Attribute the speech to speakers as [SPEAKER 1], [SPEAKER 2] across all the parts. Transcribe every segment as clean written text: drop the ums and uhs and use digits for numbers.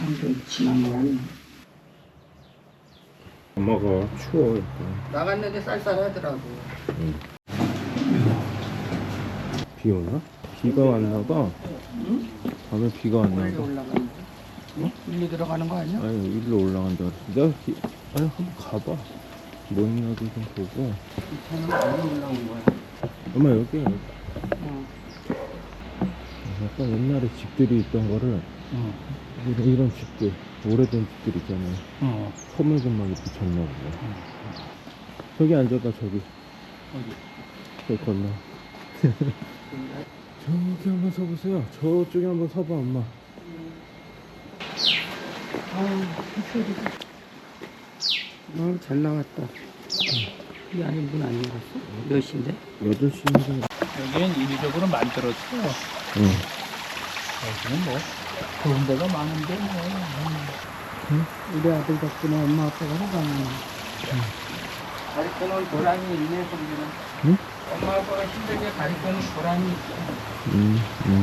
[SPEAKER 1] 좀 지난 거라니.
[SPEAKER 2] 엄마가 추워 약간.
[SPEAKER 1] 나갔는데 쌀쌀하더라고.
[SPEAKER 2] 비 오나? 비가 왔나 봐.
[SPEAKER 1] 응?
[SPEAKER 2] 밤에 비가 왔나
[SPEAKER 1] 멀리
[SPEAKER 2] 봐.
[SPEAKER 1] 올라가는 거. 일리 들어가는 거 아니야?
[SPEAKER 2] 아니 일로 올라간다 그랬어. 아니 한번 가봐. 뭐 있나도 좀 보고.
[SPEAKER 1] 차는 멀리 올라온 거야.
[SPEAKER 2] 엄마 여기
[SPEAKER 1] 어.
[SPEAKER 2] 약간 옛날에 집들이 있던 거를 이런 집들 오래된 집들 있잖아요. 서물건막 이렇게 졌나 보네. 저기 앉아봐 저기.
[SPEAKER 1] 어디?
[SPEAKER 2] 저기 건너. 저기 한번 서보세요. 저쪽에 한번 서봐 엄마.
[SPEAKER 1] 잘 나왔다. 이 안에 문 안 열었어? 몇 시인데?
[SPEAKER 2] 8시인데.
[SPEAKER 3] 여기는 인위적으로 만들었어.
[SPEAKER 2] 응.
[SPEAKER 3] 여기는 뭐 좋은 데가 많은데 뭐.
[SPEAKER 1] 우리 아들 덕분에 엄마 아빠가 살았네. 가르쳐놓은 보람이 있네, 성준아.
[SPEAKER 2] 응?
[SPEAKER 1] 엄마 아빠가 힘들게 가르쳐놓은 보람이 있어.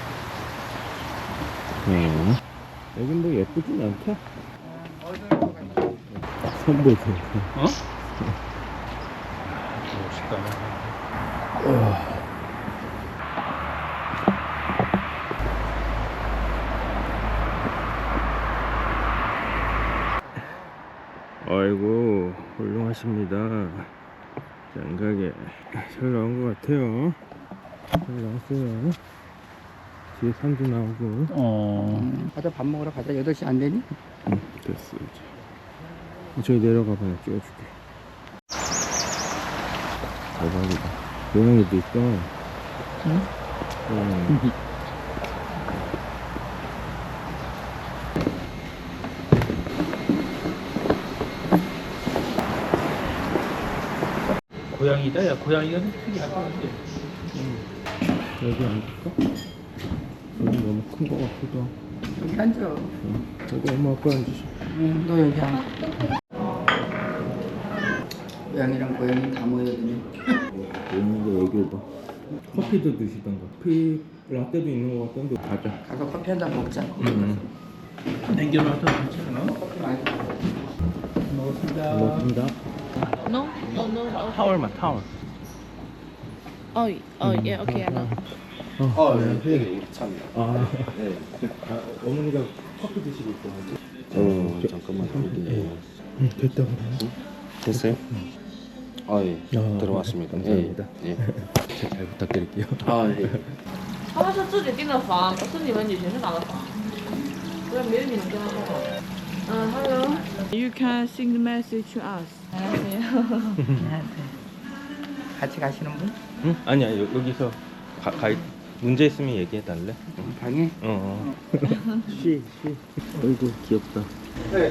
[SPEAKER 2] 여긴 뭐 예쁘진 않다.
[SPEAKER 1] 어디로 가냐?
[SPEAKER 2] 선보세요.
[SPEAKER 3] 어? 멋있다.
[SPEAKER 2] 아이고 훌륭하십니다. 장가게 잘 나온 것 같아요. 잘 나왔어요. 뒤에 산도 나오고.
[SPEAKER 1] 가자, 밥 먹으러 가자. 8시 안 되니?
[SPEAKER 2] 응, 됐어 이제. 저기 내려가봐, 내가 찍어줄게. 대박이다. 고양이도 있어.
[SPEAKER 1] 응?
[SPEAKER 2] 고양이.
[SPEAKER 3] 고양이다. 야 고양이가 좀 특이할 것 같아.
[SPEAKER 2] 여기 앉을까? 여기 너무 큰 거 같기도 하고.
[SPEAKER 1] 여기 앉아.
[SPEAKER 2] 여기 엄마 아빠 앉으셔.
[SPEAKER 1] 응, 너 여기 앉아. 고양이랑 고양이 다 모여드네.
[SPEAKER 2] 고양이가 여기 오봐. 커피도 드시던가. 커피 라떼도 있는 거 같던데 가자.
[SPEAKER 1] 가서 커피 한 잔 먹자.
[SPEAKER 3] 남겨놔도 괜찮아?
[SPEAKER 1] 커피 많이
[SPEAKER 3] 먹었습니다.
[SPEAKER 2] 고맙습니다.
[SPEAKER 4] No? Oh, no. Okay.
[SPEAKER 2] 타월만 타월.
[SPEAKER 4] Oh, yeah, okay, I know.
[SPEAKER 2] 네, 참이요. 어머니가 커피 드시고 있어.
[SPEAKER 5] 잠깐만.
[SPEAKER 2] 됐다 그래.
[SPEAKER 5] 됐어요? 아, 예.
[SPEAKER 2] 아,
[SPEAKER 5] 들어왔습니다.
[SPEAKER 2] 감사합니다.
[SPEAKER 5] 예.
[SPEAKER 2] 잘 부탁드릴게요.
[SPEAKER 5] 아, 예.
[SPEAKER 4] 他们是自己订的房，不是你们旅行社打的房，不然没有你们跟他说好。Hello. You can send the message to us.
[SPEAKER 1] 같이 가시는 분?
[SPEAKER 2] 응? 아니야 여기서 가 문제 있으면 얘기해 달래.
[SPEAKER 1] 방에?
[SPEAKER 2] 쉬. 어이구 귀엽다.
[SPEAKER 1] 네.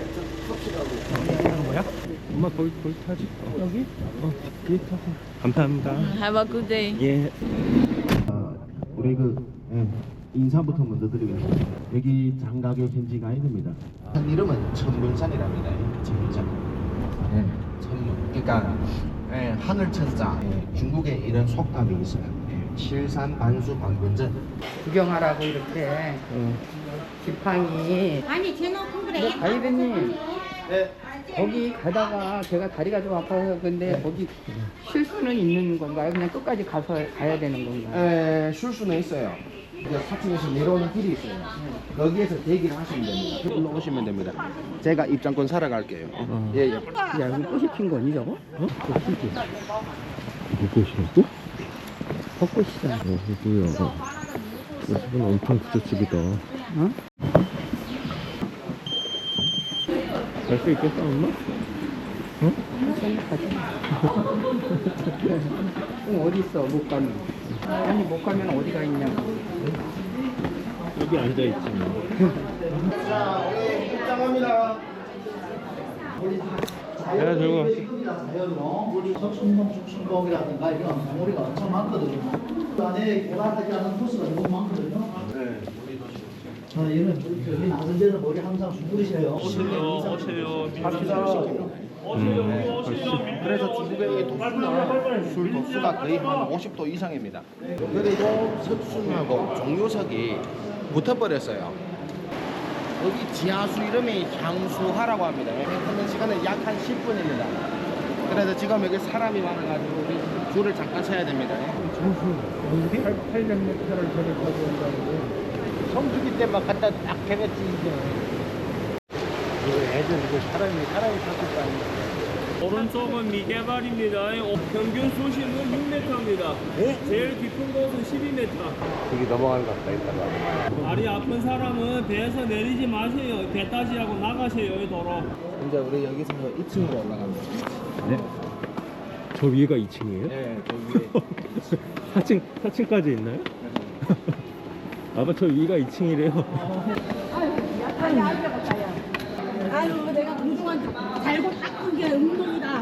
[SPEAKER 2] 엄마 거기 타지.
[SPEAKER 1] 여기?
[SPEAKER 2] 뒤에 타세요. 감사합니다.
[SPEAKER 4] Have a good day.
[SPEAKER 2] 예.
[SPEAKER 5] 우리 인사부터 먼저 드리겠습니다. 여기 장가게 현지 가이드입니다. 이름은 천문산이랍니다. 천문산. 천문. 그러니까 하늘 천자. 중국에 이런 속담이 있어요. 칠산 반수 반군전.
[SPEAKER 1] 구경하라고 이렇게 지팡이.
[SPEAKER 6] 아니 제놓고 그래.
[SPEAKER 1] 가이드님 거기 가다가 제가 다리가 좀 아파서 근데 거기 쉴 수는 있는 건가요? 그냥 끝까지 가야 되는 건가요?
[SPEAKER 5] 쉴 수는 있어요. 이제 사층에서 내려오는 길이 있어요. 거기에서 대기를 하시면 됩니다. 올라오시면 됩니다. 제가 입장권 사러 갈게요. 예.
[SPEAKER 1] 야 여기 꽃이 핀 거니 저거? 꽃이지.
[SPEAKER 2] 벚꽃이라고?
[SPEAKER 1] 벚꽃이잖아.
[SPEAKER 2] 이거야. 이건 엄청 부잣집이다.
[SPEAKER 1] 어?
[SPEAKER 2] 갈 수 있겠어 엄마?
[SPEAKER 1] 생각하지. 그럼 어디 있어? 못 가면. 아니 못 가면 어디가 있냐고.
[SPEAKER 2] 여기 앉아 있지 뭐.
[SPEAKER 5] 자, 우리 입장합니다.
[SPEAKER 2] 내가 들고
[SPEAKER 7] 우리 석순봉, 죽순봉이라든가 이런 봉우리가 엄청 많거든요. 그 안에 개발하지 않은 코스가 너무 많거든요. 네. 얘는 여기 나선 데는 머리 항상 수그리셔요.
[SPEAKER 3] 오세요.
[SPEAKER 5] 그래서 중국의 독수나 술 독수가 거의 한 50도 이상입니다. 그리고 석순하고 종료석이 붙어버렸어요. 여기 지하수 이름이 향수하라고 합니다. 하는 시간은 약 한 10분입니다. 그래서 지금 여기 사람이 많아가지고 우리 줄을 잠깐 서야 됩니다.
[SPEAKER 3] 800m를 저를 가져온다고. 성수기 때만 갖다 딱 해냈지, 이제. 이거 애들, 이거 사람이 탔을 거 아니야.
[SPEAKER 6] 오른쪽은 미개발입니다. 평균 수심은 6m입니다. 제일 깊은 곳은 12m.
[SPEAKER 2] 저기 넘어가는 것 같다, 이따가.
[SPEAKER 6] 다리 아픈 사람은 배에서 내리지 마세요. 배 따지하고 나가세요, 이 도로.
[SPEAKER 5] 이제 우리 여기서 2층으로 올라갑니다.
[SPEAKER 2] 네? 저 위에가 2층이에요?
[SPEAKER 5] 네, 저 위에.
[SPEAKER 2] 4층까지 있나요? 아빠 저 위가 2층이래요.
[SPEAKER 8] 아유 내가 그동안 달고 닦은 게 운동이다.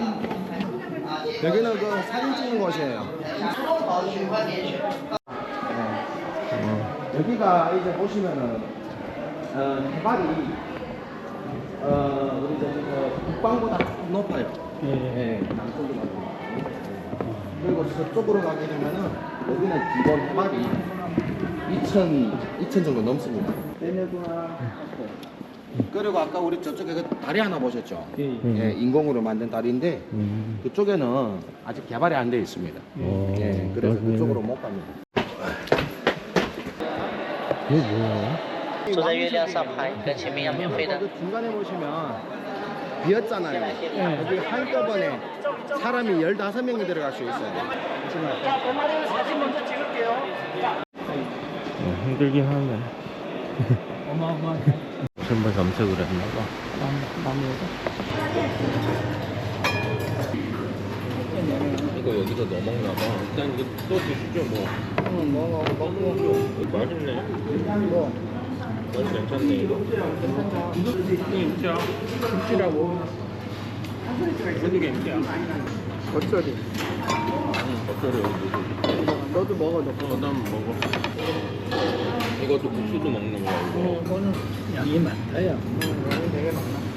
[SPEAKER 5] 여기는 그 사진 찍는 곳이에요. 여기가 이제 보시면은 해발이 우리 저기 북방보다 높아요. 네, 남쪽보다 높아요. 그리고 저쪽으로 가게 되면은 여기는 기본 해발이 2천 정도 넘습니다. 그리고 아까 우리 저쪽에 그 다리 하나 보셨죠? 예, 인공으로 만든 다리인데 그쪽에는 아직 개발이 안 되어 있습니다. 예, 그래서
[SPEAKER 2] 나중에는-
[SPEAKER 5] 그쪽으로 못 갑니다.
[SPEAKER 2] 이거 뭐야?
[SPEAKER 9] 坐在月亮上拍，跟前面一样免费的。
[SPEAKER 5] 그 중간에 보시면 비었잖아요. 여기 한꺼번에 사람이 15명이 들어갈 수 있어요.
[SPEAKER 2] 힘들긴 하네.
[SPEAKER 3] 어마어마하네.
[SPEAKER 2] 전부 검색을 했나봐. 이거 여기서 넣어먹나봐. 일단 이거 또 드시죠 뭐. 먹어. 맛있네. 맛이 괜찮네 이거.
[SPEAKER 1] 김치야. 김치라고.
[SPEAKER 2] 어디 김치야?
[SPEAKER 1] 겉절이.
[SPEAKER 2] 겉절이 여기.
[SPEAKER 1] 너도 먹어, 너.
[SPEAKER 2] 난 먹어. 이것도 국수도 먹는 거야 이거.
[SPEAKER 1] 이거는
[SPEAKER 3] 양이 많다, 야.
[SPEAKER 1] 되게 많아.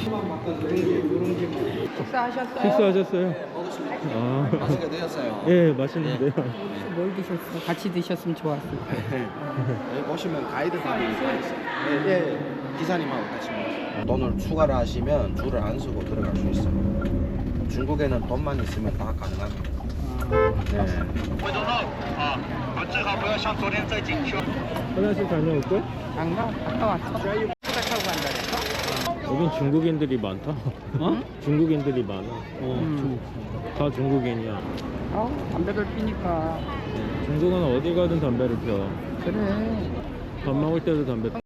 [SPEAKER 1] 식사하셨어요?
[SPEAKER 2] 식사하셨어요? 아.
[SPEAKER 5] 맛있게 되었어요.
[SPEAKER 2] 예, 맛있는데요.
[SPEAKER 1] 뭘 드셨어? 같이 드셨으면 좋았을 텐데.
[SPEAKER 5] 여기 보시면 가이드분이 다 있어요. 예, 기사님하고 같이 먹어요. 돈을 추가를 하시면 줄을 안 서고 들어갈 수 있어요. 중국에는 돈만 있으면 다 가능합니다. 네.
[SPEAKER 2] 화장실 다녀올걸?
[SPEAKER 1] 장가 갔다 왔어. 차 타고 간다 그랬어?
[SPEAKER 2] 여긴 중국인들이 많다.
[SPEAKER 1] 어?
[SPEAKER 2] 중국인들이 많아. 다 중국인이야.
[SPEAKER 1] 담배를 피니까.
[SPEAKER 2] 중국은 어디 가든 담배를 펴.
[SPEAKER 1] 그래.
[SPEAKER 2] 밥 먹을 때도 담배 펴.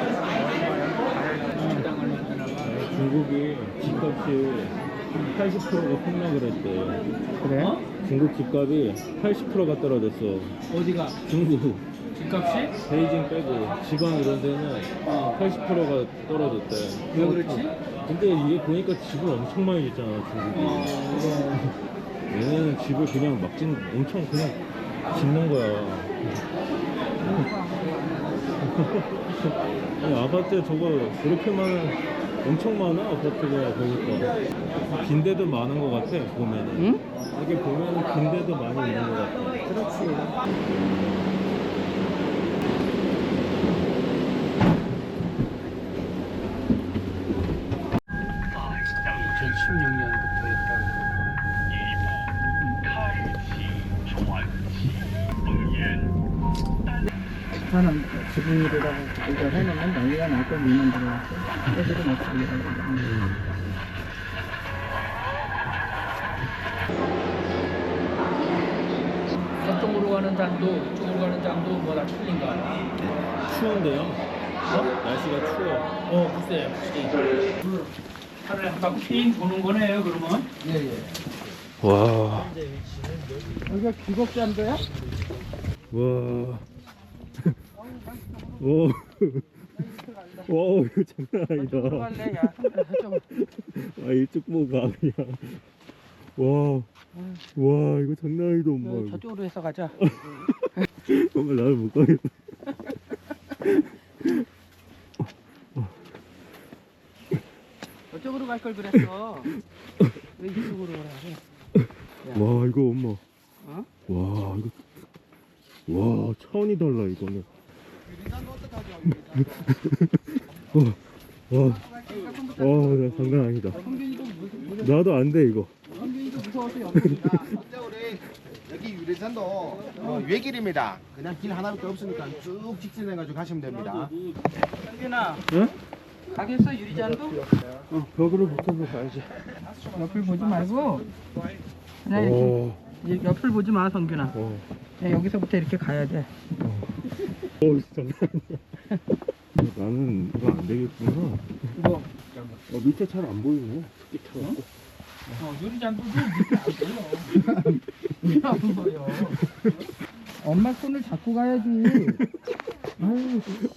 [SPEAKER 2] 중국이 집값이 80%가 폭락을 했대.
[SPEAKER 1] 그래?
[SPEAKER 2] 중국 집값이 80%가 떨어졌어.
[SPEAKER 3] 어디가?
[SPEAKER 2] 중국.
[SPEAKER 3] 집값이?
[SPEAKER 2] 베이징 빼고 지방 이런 데는 80%가 떨어졌대.
[SPEAKER 3] 왜 그렇지?
[SPEAKER 2] 근데 이게 보니까 집을 엄청 많이 짓잖아, 중국이. 얘네는 집을 그냥 막 엄청 그냥 짓는 거야. 아니, 아파트 저거 그렇게 엄청 많아, 아파트가 보니까. 빈대도 많은 것 같아, 보면은.
[SPEAKER 1] 응?
[SPEAKER 2] 여기 보면은 빈대도 많이 있는 것 같아.
[SPEAKER 1] 그렇지. 나는 지붕이라고 이거 해놓으면 난리가 날거 민원 들어왔어. 애들은 어떻게
[SPEAKER 3] 저쪽으로 가는 장도, 이쪽으로 가는 장도 뭐다 틀린가?
[SPEAKER 2] 추운데요? 날씨가 추워.
[SPEAKER 3] 글쎄요. 차를 한 바퀴 삥 도는 거네요, 그러면?
[SPEAKER 2] 와.
[SPEAKER 1] 여기가 귀곡잔도야?
[SPEAKER 2] 와. 오. 와, 이거 장난 아니다.
[SPEAKER 1] 들어갈래? 야, 좀.
[SPEAKER 2] 아, 이쪽 보고 가, 그냥. 와. 와, 이거 장난 아니다, 엄마. 이거.
[SPEAKER 1] 저쪽으로 해서 가자.
[SPEAKER 2] 엄마, 나를 못 가겠다.
[SPEAKER 1] 저쪽으로 갈 걸 그랬어. 왜 이쪽으로 오라 그래?
[SPEAKER 2] 와, 이거 엄마.
[SPEAKER 1] 어?
[SPEAKER 2] 와, 이거. 와, 차원이 달라, 이거는. 장난 아니다. 나도 안 돼, 이거.
[SPEAKER 1] 성균이도 무서워서 여기다.
[SPEAKER 5] 진짜 우리 여기 유리산도 외길입니다. 그냥 길 하나밖에 없으니까 쭉 직진해가지고 가시면 됩니다.
[SPEAKER 1] 성균아,
[SPEAKER 2] 응?
[SPEAKER 1] 가겠어 유리잔도?
[SPEAKER 2] 벽으로 붙어서 가야지.
[SPEAKER 1] 옆을 보지 말고 그냥 이렇게 이렇게 옆을 보지 마 성균아. 그냥 여기서부터 이렇게 가야 돼.
[SPEAKER 2] 장난 아니야. 나는 이거 안 되겠구나.
[SPEAKER 1] 이거
[SPEAKER 2] 밑에 잘 안 보이네. 특히 차갑고.
[SPEAKER 1] 유리잔도 안 보여. 엄마 손을 잡고 가야지. 아유.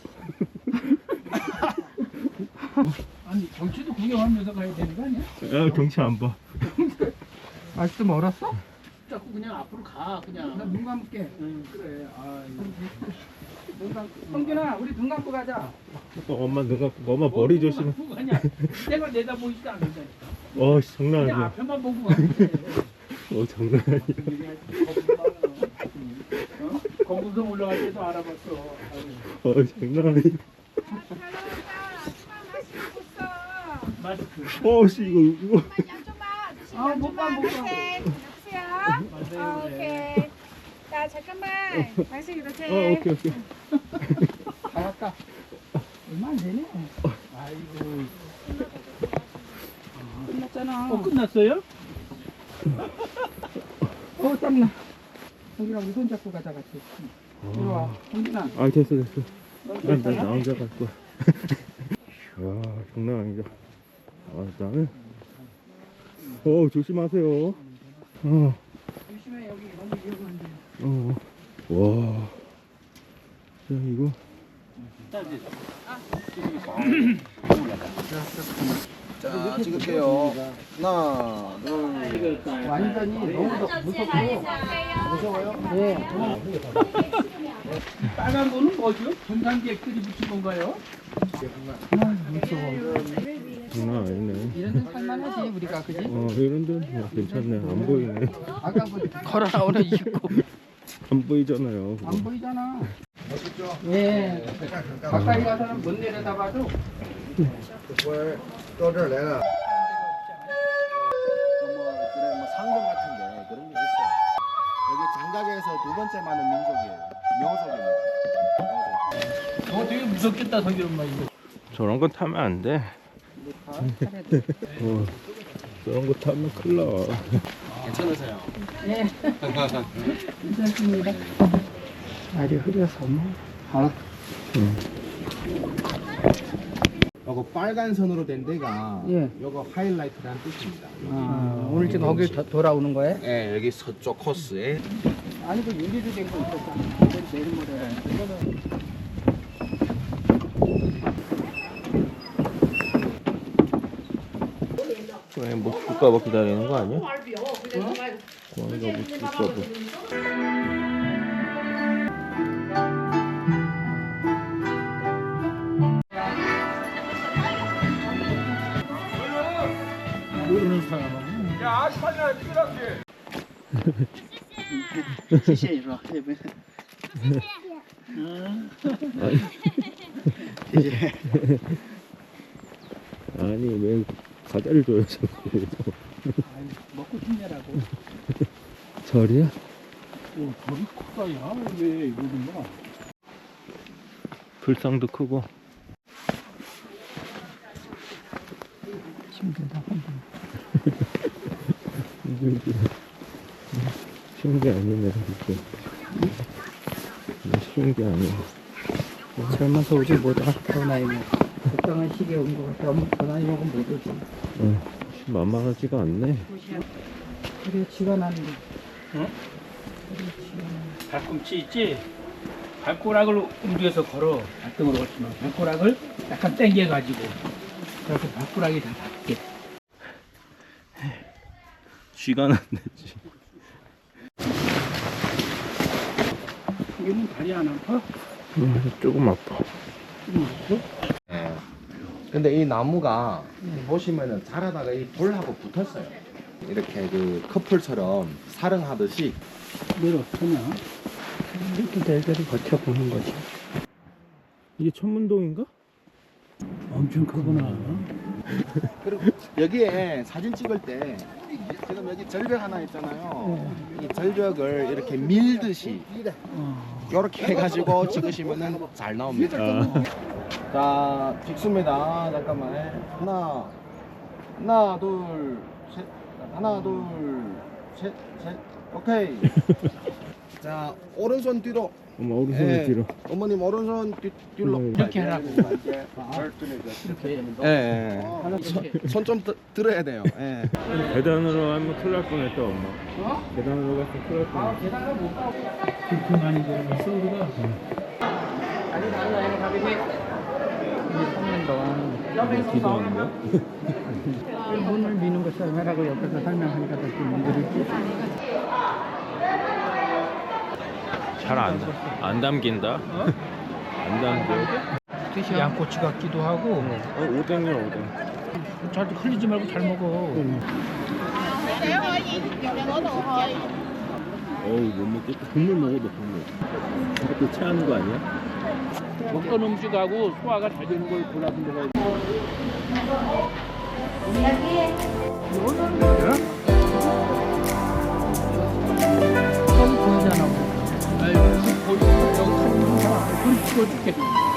[SPEAKER 1] 아니 경치도 구경하면서 가야 되는 거 아니야?
[SPEAKER 2] 야, 경치 안 봐.
[SPEAKER 1] 아직도 멀었어?
[SPEAKER 3] 자꾸 그냥 앞으로 가 그냥.
[SPEAKER 1] 나 눈 감을게.
[SPEAKER 3] 그래.
[SPEAKER 1] 눈 감고. 성균아, 우리 눈 감고 가자.
[SPEAKER 2] 엄마 누가 엄마 머리 조심해.
[SPEAKER 3] 아니야. 내가 내다 보이지도 않는다.
[SPEAKER 2] 장난
[SPEAKER 3] 그냥
[SPEAKER 2] 아니야.
[SPEAKER 3] 앞에만 보고 가면 돼.
[SPEAKER 2] 장난 아니야.
[SPEAKER 3] 거북선 올라갈 때도 알아봤어.
[SPEAKER 2] 장난 아니야.
[SPEAKER 3] 마스크.
[SPEAKER 2] 씨, 이거.
[SPEAKER 8] 못 봐. 여보세요? 오케이. 자, 잠깐만. 다시 이렇게.
[SPEAKER 2] 오케이.
[SPEAKER 1] 다 왔다. 얼마 안 되네.
[SPEAKER 3] 아이고.
[SPEAKER 1] 끝났잖아.
[SPEAKER 3] 끝났어요?
[SPEAKER 1] 땀나. 성균아, 우리 손 잡고 가자 같이. 이리 와. 성균아.
[SPEAKER 2] 됐어. 나 혼자 갈 거야. 장난 아니다. 나는. 조심하세요.
[SPEAKER 1] 조심해, 여기 너무 위험한데.
[SPEAKER 2] 와. 이거.
[SPEAKER 5] 자, 찍을게요. 하나, 둘.
[SPEAKER 1] 완전히 너무 무섭고. 네.
[SPEAKER 3] 빨간 거는 뭐죠? 전단객들이 붙인 건가요?
[SPEAKER 2] 장난 아니네.
[SPEAKER 1] 이런 데는 살만하지, 우리가, 그지?
[SPEAKER 2] 이런 데는 괜찮네. 안 보이네.
[SPEAKER 1] 아까 걸어 나오는 입고.
[SPEAKER 2] 안 보이잖아요. 그거.
[SPEAKER 1] 안 보이잖아. 멋있죠? 예. 가까이 가서는 못 내려다봐도.
[SPEAKER 5] 상점 같은데 그런 게 있어요. 여기 장각에서 두 번째 많은 민족이에요. 묘족입니다.
[SPEAKER 3] 되게 무섭겠다 성길 엄마 이거.
[SPEAKER 2] 저런 거 타면 안 돼. 저런 거 타면 큰일 나.
[SPEAKER 5] 괜찮으세요?
[SPEAKER 1] 예. 괜찮습니다. 날이 흐려서 뭐.
[SPEAKER 5] 요거 빨간 선으로 된 데가
[SPEAKER 1] 예.
[SPEAKER 5] 요거 하이라이트라는 뜻입니다.
[SPEAKER 1] 오늘 지금 거길 돌아오는 거예요?
[SPEAKER 5] 네, 여기 서쪽 코스에
[SPEAKER 1] 아니, 그 유리로 된 거 있었잖아. 내일모레라는.
[SPEAKER 2] 왜 뭐 줄까봐 기다리는 거 아니야? 고양이가 뭐 줄까봐.
[SPEAKER 3] 모르는 사람은. 야 아스파냐 찍으라게.
[SPEAKER 2] 아니 왜 과자를 줘요 자꾸.
[SPEAKER 3] 먹고 싶냐라고.
[SPEAKER 2] 절이야?
[SPEAKER 3] 저기 크다 야. 왜 이거는 뭐.
[SPEAKER 2] 불상도 크고.
[SPEAKER 1] 힘들다.
[SPEAKER 2] 쉬운 게 아니네 이게. 쉬운 게 아니야.
[SPEAKER 1] 젊어서 오지 못하. 더 나이 먹. 적당한 시기에 온 거 같아. 더 나이 먹으면 못 오지.
[SPEAKER 2] 만만하지가 않네.
[SPEAKER 1] 그래, 지가 나는데.
[SPEAKER 3] 발꿈치 있지? 발꼬락을 움직여서 걸어. 발등으로 걸치면 발꼬락을 약간 당겨가지고 그래서 발꼬락이 다 닿게.
[SPEAKER 2] 쥐가 났네지.
[SPEAKER 3] 이거는 다리 안 아파?
[SPEAKER 2] 조금 아파.
[SPEAKER 5] 네. 근데 이 나무가 보시면은 자라다가 이 돌하고 붙었어요. 이렇게 그 커플처럼 사랑하듯이.
[SPEAKER 3] 내일 어떠냐?
[SPEAKER 1] 이렇게 날들이 버텨보는 거지.
[SPEAKER 2] 이게 천문동인가?
[SPEAKER 7] 엄청 크구나.
[SPEAKER 5] 그리고 여기에 사진 찍을 때 지금 여기 절벽 하나 있잖아요. 이 절벽을 이렇게 밀듯이 이렇게 해가지고 찍으시면은 잘 나옵니다. 자, 찍습니다. 잠깐만. 하나, 둘, 셋. 하나, 둘, 셋. 오케이. 자, 오른손 뒤로.
[SPEAKER 2] 엄마 오른손 뒤로.
[SPEAKER 5] 어머님 오른손 뒤로.
[SPEAKER 1] 이렇게 하라고.
[SPEAKER 5] 예. 손 좀 들어야 돼요. 예.
[SPEAKER 2] 계단으로 하면 큰일 날 뻔했다 엄마. 계단으로 가서 큰일 날 뻔했다.
[SPEAKER 1] 계단을 못 가고.
[SPEAKER 7] 그렇게 많이 들어갔어 우리가.
[SPEAKER 1] 아니 나는 가게 돼. 이제 3년 동안
[SPEAKER 2] 기도하는 거야?
[SPEAKER 1] 문을 미는 것이 얼마라고 옆에서 설명하니까 더 문들이
[SPEAKER 2] 잘 안 담긴다? 안 담겨.
[SPEAKER 7] 양꼬치 같기도 하고.
[SPEAKER 2] 오뎅이야 오뎅.
[SPEAKER 7] 잘 흘리지 말고 잘 먹어.
[SPEAKER 2] 어우 못 먹겠다. 국물 먹어도 국물. 이것도 체하는 거 아니야?
[SPEAKER 7] 먹던 음식하고 소화가 잘 되는 걸 골라서 먹어야 돼. 여기 보이잖아. 여기 보이고 여기 사진 좀 봐. 그럼 찍어줄게.